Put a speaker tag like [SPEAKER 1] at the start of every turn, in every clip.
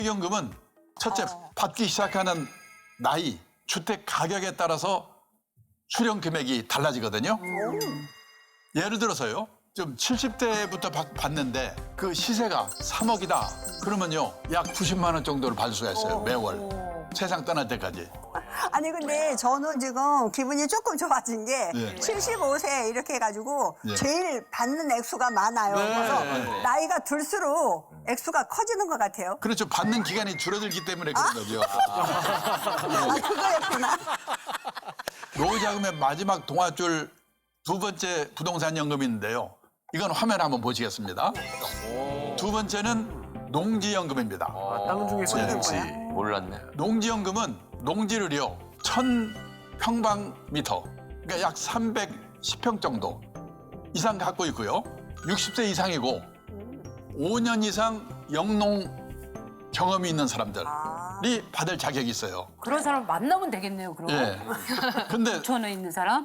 [SPEAKER 1] 연금은 첫째 받기 시작하는 나이, 주택 가격에 따라서 수령 금액이 달라지거든요. 예를 들어서요. 좀 70대부터 받는데 그 시세가 3억이다. 그러면요. 약 90만 원 정도를 받을 수가 있어요. 매월. 세상 떠날 때까지.
[SPEAKER 2] 아니 근데 저는 지금 기분이 조금 좋아진 게
[SPEAKER 1] 예.
[SPEAKER 2] 75세 이렇게 해가지고
[SPEAKER 1] 예.
[SPEAKER 2] 제일 받는 액수가 많아요.
[SPEAKER 1] 네.
[SPEAKER 2] 그래서 나이가 들수록 액수가 커지는 것 같아요.
[SPEAKER 1] 그렇죠. 받는 기간이 줄어들기 때문에 그런 거죠.
[SPEAKER 2] 아 그거였구나.
[SPEAKER 1] 노후자금의 마지막 동아줄 두 번째 부동산 연금인데요. 이건 화면 한번 보시겠습니다. 두 번째는 농지연금입니다.
[SPEAKER 3] 땅 중에서
[SPEAKER 1] 네.
[SPEAKER 3] 혹시
[SPEAKER 4] 몰랐네.
[SPEAKER 1] 농지연금은 농지를요 1000평방미터, 그러니까 약 310평 정도 이상 갖고 있고요. 60세 이상이고 5년 이상 영농 경험이 있는 사람들이 받을 자격이 있어요.
[SPEAKER 5] 그런 사람 만나면 되겠네요, 그럼.
[SPEAKER 1] 예. 근데
[SPEAKER 5] 전에 있는 사람?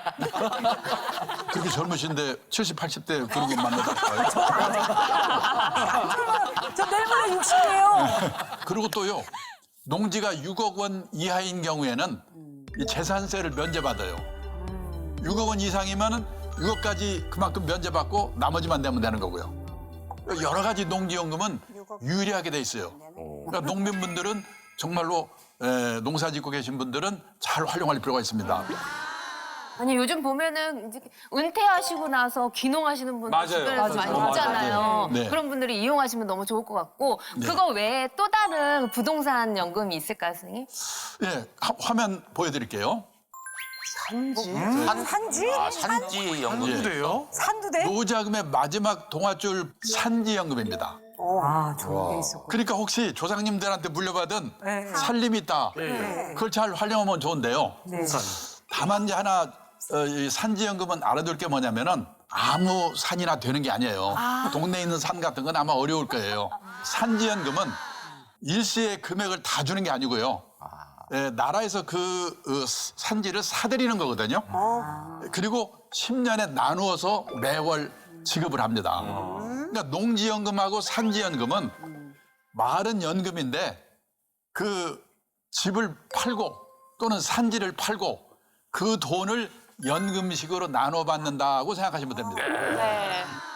[SPEAKER 1] 그렇게 젊으신데 70, 80대 그런 거 만나볼까요?
[SPEAKER 5] 저 내일 모레 60이에요.
[SPEAKER 1] 그리고 또요. 농지가 6억 원 이하인 경우에는 이 재산세를 면제받아요. 6억 원 이상이면은 6억까지 그만큼 면제받고 나머지만 내면 되는 거고요. 여러 가지 농지연금은 유리하게 돼 있어요. 그러니까 농민분들은 정말로 농사 짓고 계신 분들은 잘 활용할 필요가 있습니다.
[SPEAKER 6] 아니 요즘 보면은 이제 은퇴하시고 나서 귀농하시는 분들
[SPEAKER 3] 맞아요.
[SPEAKER 6] 주변에서 많이
[SPEAKER 1] 맞아요.
[SPEAKER 6] 있잖아요.
[SPEAKER 1] 네.
[SPEAKER 6] 그런 분들이 이용하시면 너무 좋을 것 같고 그거 외에 또 다른 부동산 연금이 있을까요, 선생님?
[SPEAKER 1] 예, 화면 보여드릴게요.
[SPEAKER 2] 산지?
[SPEAKER 4] 아, 산지 연금.
[SPEAKER 1] 예.
[SPEAKER 3] 돼요?
[SPEAKER 2] 산두대?
[SPEAKER 1] 노후자금의 마지막 동아줄 산지연금입니다.
[SPEAKER 5] 아, 좋은 게 있었고.
[SPEAKER 1] 그러니까 혹시 조상님들한테 물려받은
[SPEAKER 2] 네.
[SPEAKER 1] 살림이 있다. 그걸 잘 활용하면 좋은데요. 다만 이제 하나 이 산지연금은 알아둘 게 뭐냐면은 아무 산이나 되는 게 아니에요. 동네에 있는 산 같은 건 아마 어려울 거예요. 산지연금은 일시에 금액을 다 주는 게 아니고요. 나라에서 그 산지를 사들이는 거거든요. 그리고 10년에 나누어서 매월 지급을 합니다. 그러니까 농지연금하고 산지연금은 말은 연금인데 그 집을 팔고 또는 산지를 팔고 그 돈을 연금식으로 나눠 받는다고 생각하시면 됩니다.
[SPEAKER 6] 네.